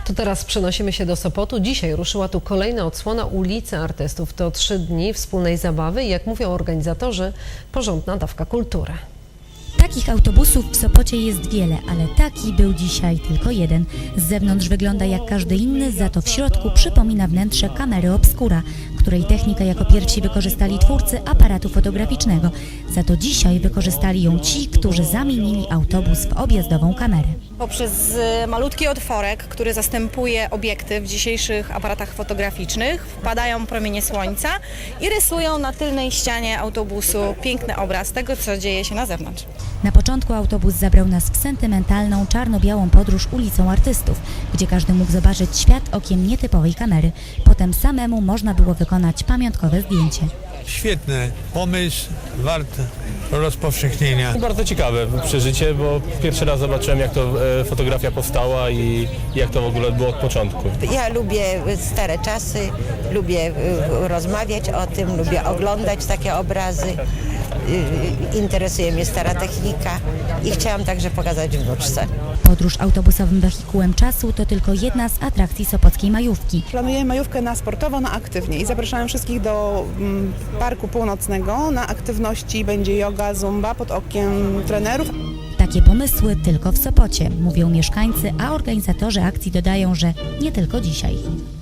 To teraz przenosimy się do Sopotu. Dzisiaj ruszyła tu kolejna odsłona ulicy Artystów. To 3 dni wspólnej zabawy i jak mówią organizatorzy, porządna dawka kultury. Takich autobusów w Sopocie jest wiele, ale taki był dzisiaj tylko jeden. Z zewnątrz wygląda jak każdy inny, za to w środku przypomina wnętrze kamery obscura, której technikę jako pierwsi wykorzystali twórcy aparatu fotograficznego. Za to dzisiaj wykorzystali ją ci, którzy zamienili autobus w objazdową kamerę. Poprzez malutki otworek, który zastępuje obiektyw w dzisiejszych aparatach fotograficznych, wpadają promienie słońca i rysują na tylnej ścianie autobusu piękny obraz tego, co dzieje się na zewnątrz. Na początku autobus zabrał nas w sentymentalną, czarno-białą podróż ulicą Artystów, gdzie każdy mógł zobaczyć świat okiem nietypowej kamery. Potem samemu można było wykonać pamiątkowe zdjęcie. Świetny pomysł, wart rozpowszechnienia. Bardzo ciekawe przeżycie, bo pierwszy raz zobaczyłem, jak to fotografia powstała i jak to w ogóle było od początku. Ja lubię stare czasy, lubię rozmawiać o tym, lubię oglądać takie obrazy. Interesuje mnie stara technika i chciałam także pokazać wnuczce. Podróż autobusowym wehikułem czasu to tylko jedna z atrakcji sopockiej majówki. Planujemy majówkę na sportowo, na aktywnie i zapraszałem wszystkich do Parku Północnego. Na aktywności będzie joga, zumba pod okiem trenerów. Takie pomysły tylko w Sopocie, mówią mieszkańcy, a organizatorzy akcji dodają, że nie tylko dzisiaj.